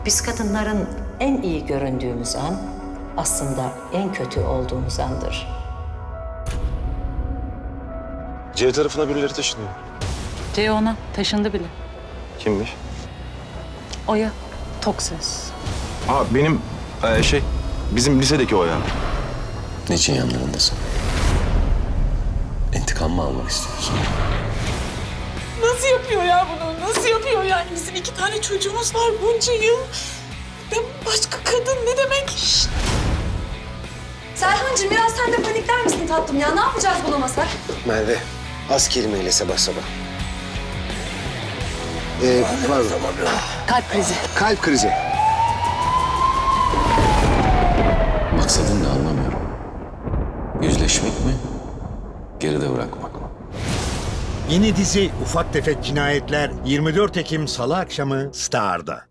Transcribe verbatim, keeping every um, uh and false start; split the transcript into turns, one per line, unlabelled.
Biz kadınların en iyi göründüğümüz an aslında en kötü olduğumuz andır.
C tarafına birileri taşınıyor.
Ceyhun'a taşındı bile.
Kimmiş?
Oya, tok ses.
Aa benim e, şey bizim lisedeki o ya.
Niçin yanlarındasın? İntikam mı almak istiyorsun?
Nasıl yapıyor ya bunu? Nasıl yapıyor yani? Bizim iki tane çocuğumuz var bunca yıl. Ya başka kadın ne demek? Şşt!
Serhancığım biraz sen de panikler misin tatlım ya? Ne yapacağız bulamasak?
Merve, az kelimeyle sabah sabah. Ee, pardon.
Kalp krizi.
Kalp krizi.
Maksadın ne anlamıyorum. Yüzleşmek mi? Geride bırakmak mı?
Yeni dizi Ufak Tefek Cinayetler yirmi dört Ekim Salı akşamı Star'da.